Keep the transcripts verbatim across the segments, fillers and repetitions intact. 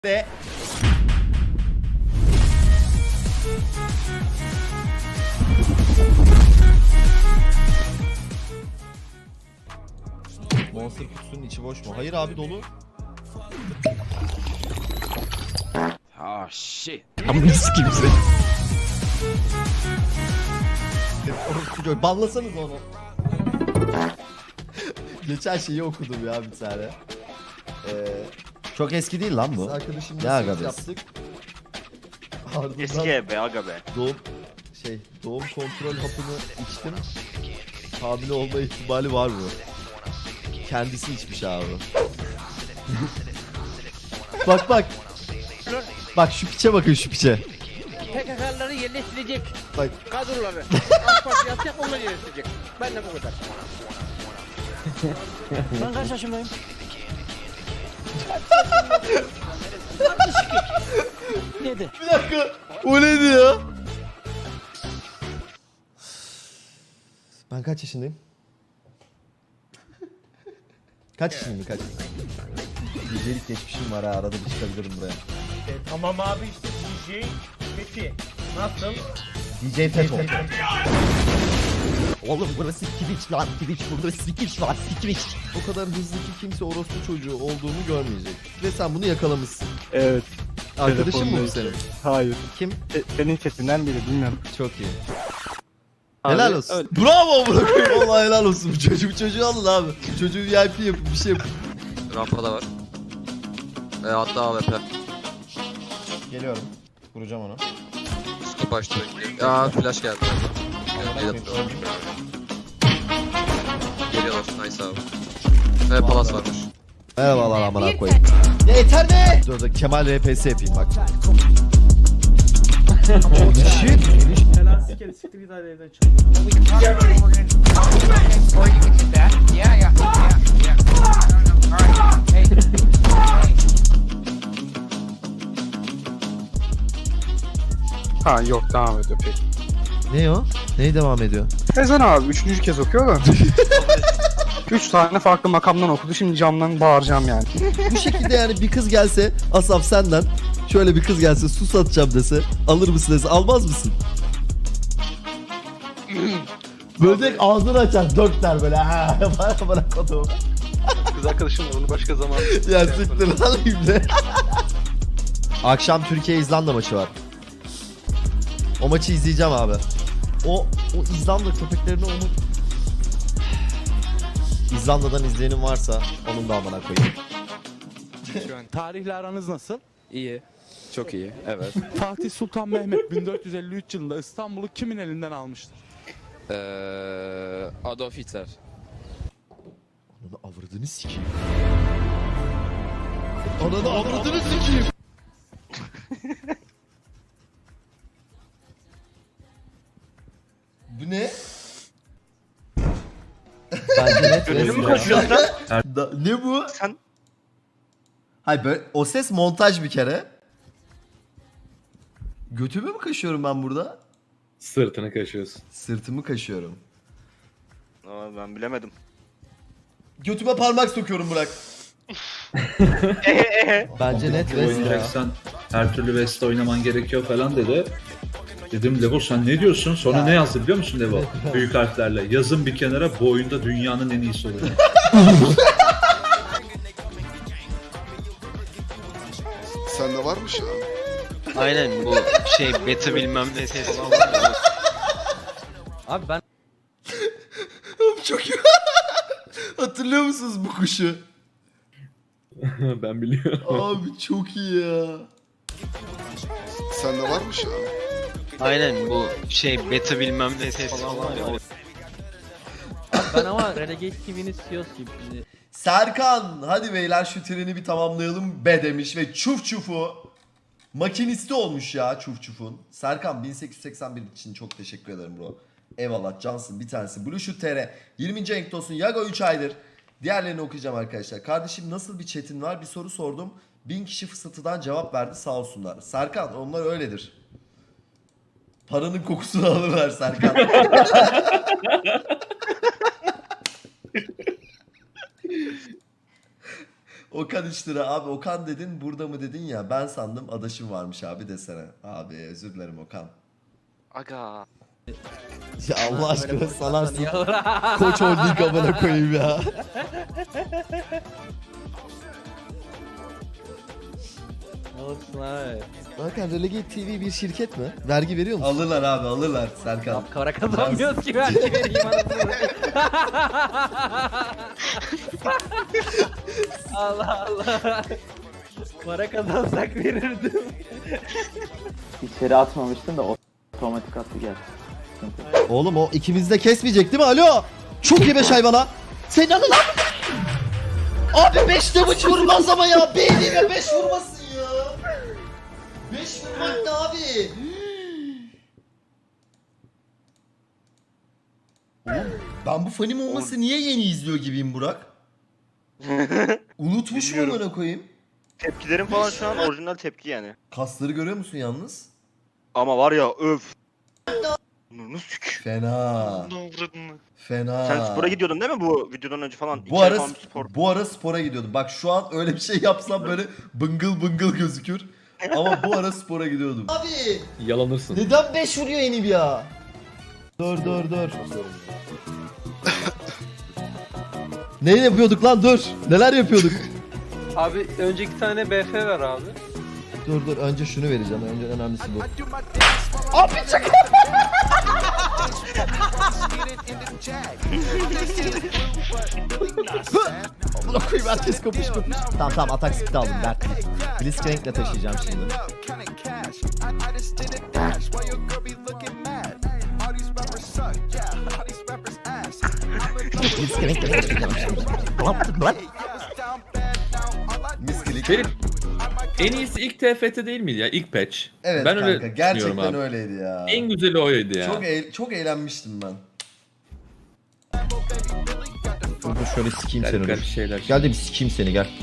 de Monster kutusunun içi boş mu? Hayır abi, dolu. Oh shit. Amına sikeyim seni. Banlasanız onu. Geçen şeyi okudum ya bir tane. Ee, Çok eski değil lan bu. Arkadaşımla Ya seks aga be. yaptık. Ardından Eski be aga be. doğum şey doğum kontrol hapını içtim. Hamile olma ihtimali var mı? Kendisi içmiş abi. Bak bak. Bak şu piçe bakın, şu piçe. P K K'ları yerleştirecek. Bak. Kadroları. AK Parti yapacak, onları yerleştirecek. Ben de bu kadar. Ben kaç yaşındayım? Neydi? Bir dakika. O neydi ya? Ben kaç yaşındayım? Kaç yaşındayım, kaç? D J'lik geçmişim var ha, arada bir çıkabilirim buraya. E, tamam abi işte D J. Peki nasıl? D J Feto. Oğlum burası Twitch lan, Twitch, burada Twitch var, Twitch. O kadar hızlı ki kimse orospu çocuğu olduğunu görmeyecek. Ve sen bunu yakalamışsın. Evet. Arkadaşın mı bu Telefondayım. senin? Hayır. Kim? E, senin chatinden biri bilmiyorum. Çok iyi. Abi, Helal olsun. öyle. Bravo bırakıyorum. Vallahi helal olsun. Bu çocuğu, bu çocuğu alın abi. Çocuğu V I P yapın, bir şey yapın. Rampada var. E, hatta A W P. Geliyorum. Vuracağım onu. Scope açtı bekliyor. Aa flash geldi. Geliyor. Geliyorlar. Nice abi. Ve palas varmış. Merhabalar amına koyayım. Ya yeter be! Dur dur Kemal R P S yapayım bak. Shit. Helal sikeri siktir git hadi evden çık. Ha yok, devam ediyor peki. Ne o? Neyi devam ediyor? Ezan abi üçüncü kez okuyor da. Üç tane farklı makamdan okudu, şimdi camdan bağıracağım yani. Bu şekilde yani bir kız gelse Asaf senden, şöyle bir kız gelse su satacağım dese, alır mısın dese, almaz mısın? Böyle direkt ağzını açar, dört der böyle. Ha, bana bırak onu. Kız arkadaşım var, onu başka zaman. Ya siktir lan ibne. Akşam Türkiye-İzlanda maçı var. O maçı izleyeceğim abi. O o İzlanda köpeklerini onu... İzlanda'dan izleyenim varsa onun da amına koyayım. Tarihle aranız nasıl? İyi. Çok iyi. Evet. Fatih Sultan Mehmet bin dört yüz elli üç yılında İstanbul'u kimin elinden almıştır? Eee Adolf Hitler. Ananı avradını sikeyim. Ananı avradını sikeyim. Bu ne? Bence net Gözümü resmi. kaçıyor lan. Da- ne bu? Sen Hayır böyle o ses montaj bir kere. Götümü mü kaşıyorum ben burada? Sırtını kaşıyorsun. Sırtımı kaşıyorum. Aa, ben bilemedim. Götüme parmak sokuyorum Burak. Bence net resmi ya. Oynayacaksan her türlü West oynaman gerekiyor falan dedi. Dedim Levo sen ne diyorsun? Sonra Ya. ne yazdı biliyor musun Levo? Büyük harflerle. Yazın bir kenara, bu oyunda dünyanın en iyisi olacak. Sende varmış ya. Aynen bu şey beta bilmem ne ses. Abi ben Çok iyi. Hatırlıyor musunuz bu kuşu? Ben biliyorum. Abi çok iyi ya. Sende varmış ya. Aynen bu şey beta bilmem ne ses. ben ama Renegade T V'nin C E O'suyum şimdi. Serkan hadi beyler şu treni bir tamamlayalım be demiş ve çuf çufu makinisti olmuş ya çuf çufun. Serkan bin sekiz yüz seksen bir için çok teşekkür ederim bro. Eyvallah cansın bir tanesi. Blueshoot T R yirminci renk olsun. Yago üç aydır. Diğerlerini okuyacağım arkadaşlar. Kardeşim nasıl bir chatin var? Bir soru sordum. Bin kişi fısıltıdan cevap verdi sağ olsunlar. Serkan onlar öyledir. Paranın kokusunu alırlar Serkan. Okan üç lira. Abi Okan dedin burada mı dedin ya. Ben sandım adaşım varmış abi desene. Abi özür dilerim Okan. Aga. Ya Allah aşkına salarsın. Koç Holding amına koyayım ya. Ne olsun abi. Hakan Relegate T V bir şirket mi? Vergi veriyor musun? Alırlar abi alırlar Serkan. Tam kara kazanmıyoruz ki vergi vereyim anasını. Allah Allah. Para kazansak verirdim. İçeri atmamıştım da otomatik attı geldi. Oğlum o ikimiz de kesmeyecek değil mi? Alo! Çok iyi beş hayvana. Senin anı lan! Abi beş de maç vurmaz ama ya. Beynime beş vurmasın ya. beş vurmak ne abi? Oğlum ben bu fanim olması niye yeni izliyor gibiyim Burak? Unutmuşum amına koyayım. Tepkilerim falan şu an orijinal tepki yani. Kasları görüyor musun yalnız? Ama var ya öf. Bunu sük. Fena. Fena. Sen spora gidiyordun değil mi bu videodan önce falan? Bu İki ay ara falan bir spor. bu ara spora gidiyordum. Bak şu an öyle bir şey yapsam böyle bıngıl bıngıl gözükür. Ama bu ara spora gidiyordum. Abi Yalanırsın. neden beş vuruyor Enib ya? Dur dur dur. Ne yapıyorduk lan dur. Neler yapıyorduk? Abi önce iki tane B F ver abi. Dur dur önce şunu vereceğim. Önce en önemlisi bu. Amına koyayım herkes kapış kapış. Tamam tamam atak speed aldım dert değil. Blitzcrank'le taşıyacağım şimdi. Blitzcrank'le taşıyacağım şimdi. Ne yaptık lan? Miskilik. Ferit, en iyisi ilk T F T değil miydi ya? İlk patch. Evet Ben kanka öyle gerçekten düşünüyorum abi. öyleydi ya. En güzeli oydu ya. Çok eğ- çok eğlenmiştim ben. Dur dur şöyle sikeyim Garip seni garip dur. şeyler. Gel de bir sikeyim seni gel.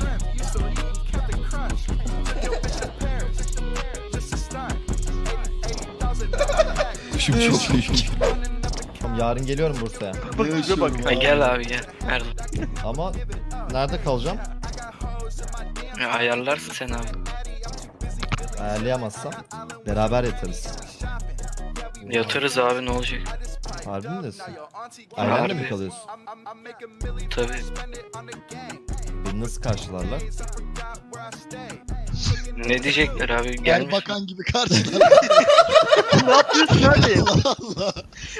Kuşum çok büyük. Tamam yarın geliyorum Bursa'ya. Bak bak. Ay gel abi gel. Nerede? Ama nerede kalacağım? Ya ayarlarsın sen abi. Ayarlayamazsam beraber yatarız. Yatarız abi ne olacak? Harbi mi diyorsun? Ailenle mi Harbi. kalıyorsun? Tabii. Beni nasıl karşılarlar? Ne diyecekler abi? Gelmiş. Bakan gibi karşılar. Ne yapıyorsun abi? Allah Allah.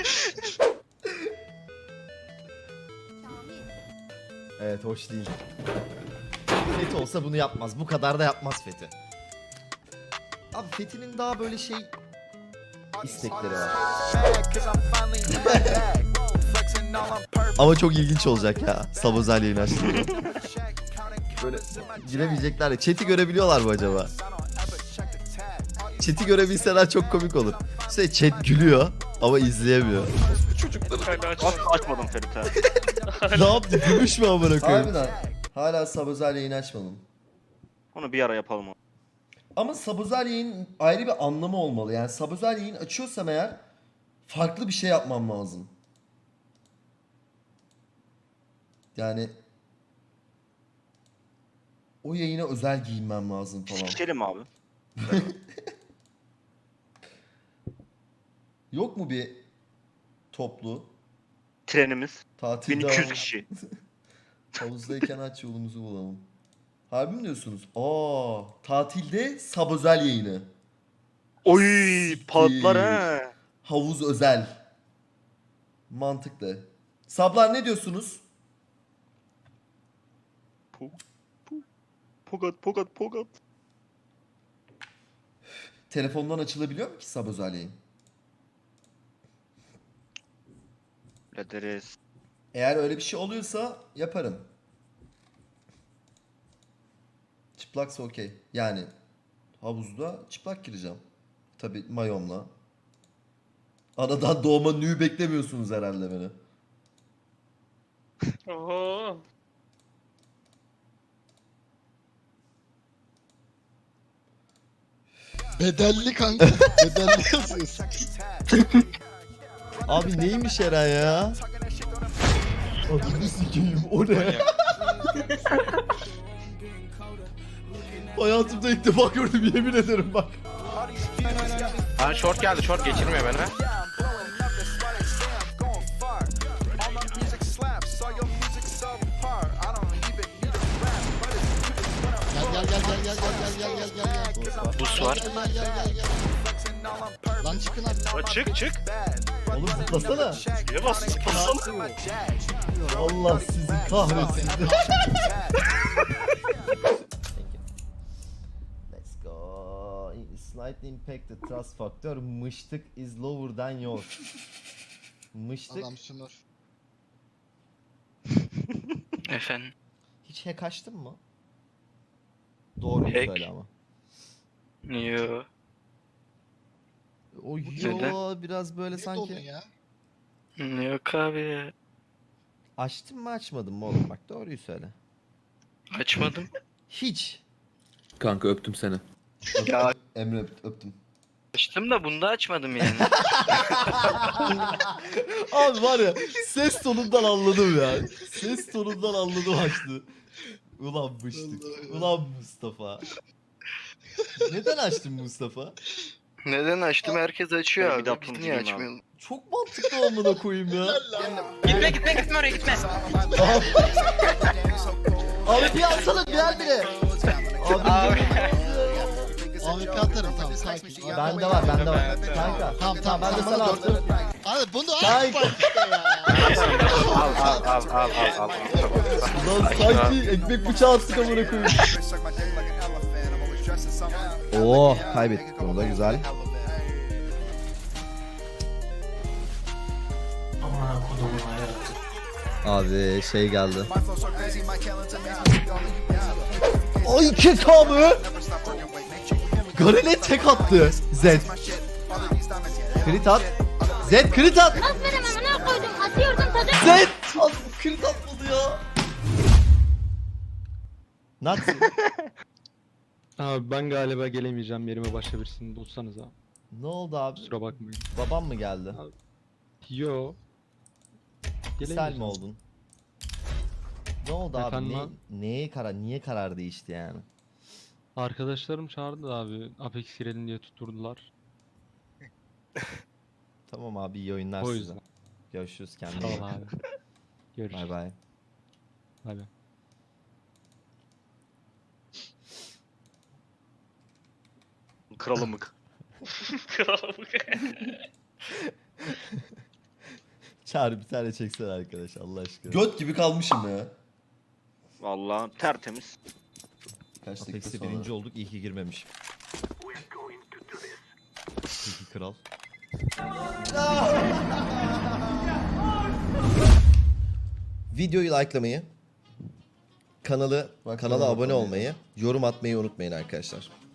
Evet hoş değil. Fethi olsa bunu yapmaz. Bu kadar da yapmaz Fethi. Abi Fethi'nin daha böyle şey istekleri var. Ama çok ilginç olacak ya. Sabozel yayın açtığında. Böyle giremeyecekler ya. Chat'i görebiliyorlar mı acaba? Chat'i görebilseler çok komik olur. Şey chat gülüyor ama izleyemiyor. Asla açmadım Ferit ha. Ne yaptı? Gümüş mü amına koyayım? Harbiden. Hala Sabozel yayın açmadım. Onu bir ara yapalım. Ama Sabozel yayın ayrı bir anlamı olmalı. Yani Sabozel yayın açıyorsam eğer farklı bir şey yapmam lazım. Yani o yayına özel giyinmem lazım falan. Sikişelim abi. Yok mu bir toplu Trenimiz. tatil bin iki yüz devamı? kişi. Havuzdayken aç yolumuzu bulalım. Harbi mi diyorsunuz? Aa, tatilde Sabozel yayını. Oy patlar ha. Havuz özel. Mantıklı. Sablar ne diyorsunuz? Pogat pogat pogat. Telefondan açılabiliyor mu ki Sabozel yayın? Ederiz. Eğer öyle bir şey oluyorsa yaparım. Çıplaksa okey. Yani havuzda çıplak gireceğim. Tabii mayomla. Anadan doğma nü beklemiyorsunuz herhalde beni. Oho. Bedelli kanka. Bedelli yazıyorsun. Abi neymiş Eren ya? Adını sikeyim o ne? Hayatımda ilk defa gördüm yemin ederim bak. Bana short geldi, short geçirmiyor beni. Gel gel gel gel gel gel gel gel gel gel. Bus var. Gel gel gel gel. Lan çıkın abi. Çık çık. Oğlum zıplasana. Niye bastın? Zıplasana. Allah sizi kahretsin. Let's go. Slightly impact the trust factor. Mıştık is lower than yours. Mıştık. Adam sınır. Efendim. Hiç hack açtın mı? Doğru Hack? söyle ama. Yo. O Neden? yo biraz böyle Ne doldun sanki. ya? Yok abi ya. Açtın mı açmadın mı oğlum bak doğruyu söyle. Açmadım. Hiç. Kanka öptüm seni. Ya Emre öp- öptüm. açtım da bunda açmadım yani. Abi var ya ses tonundan anladım ya. Ses tonundan anladım açtı. Ulan mıştık. Ulan Mustafa. Neden açtın Mustafa? Neden açtım? Herkes açıyor abi. Biz niye açmayalım? Çok mantıklı amına koyayım ya. Gitme gitme gitme oraya gitme. Abi, abi bir atsana bir bile. Abi, Abi. A W P atarım tamam sakin. bende var bende var. Kanka. Tamam tamam Ben de tamam, sana bunu attım. gördüm. Abi bunu Kanka. at bak işte ya. Al al al al al al. Ulan sanki ekmek bıçağı attık amına koyayım. Oo kaybettik bunu da güzel. Abi şey geldi. Ay iki K mı? Garen'e tek attı. Zed. Crit at. Zed crit at. Aferin amına koydum. Atıyordum tadı. Zed. At, crit atmadı ya. Nat. Abi ben galiba gelemeyeceğim, yerime başka birisini bulsanız abi. Ne oldu abi? Kusura bakmayın. Babam mı geldi? Yo. Sel mi oldun? Ne oldu abi? Efendim Ne, abi? neye karar, niye karar değişti yani? Arkadaşlarım çağırdı da abi. Apex girelim diye tutturdular. Tamam abi iyi oyunlar O size. yüzden. Görüşürüz kendine. Sağ iyi ol bak. abi. Görüşürüz. Bay bay. Bay bay. Kralımık. Kralımık. Çağrı bir tane çeksene arkadaş Allah aşkına. Göt gibi kalmışım ya. Vallahi tertemiz. Kaç Apex'e birinci olduk iyi ki girmemişim. İyi ki kral. Videoyu likelamayı, kanalı kanala abone olmayı, yorum atmayı unutmayın arkadaşlar.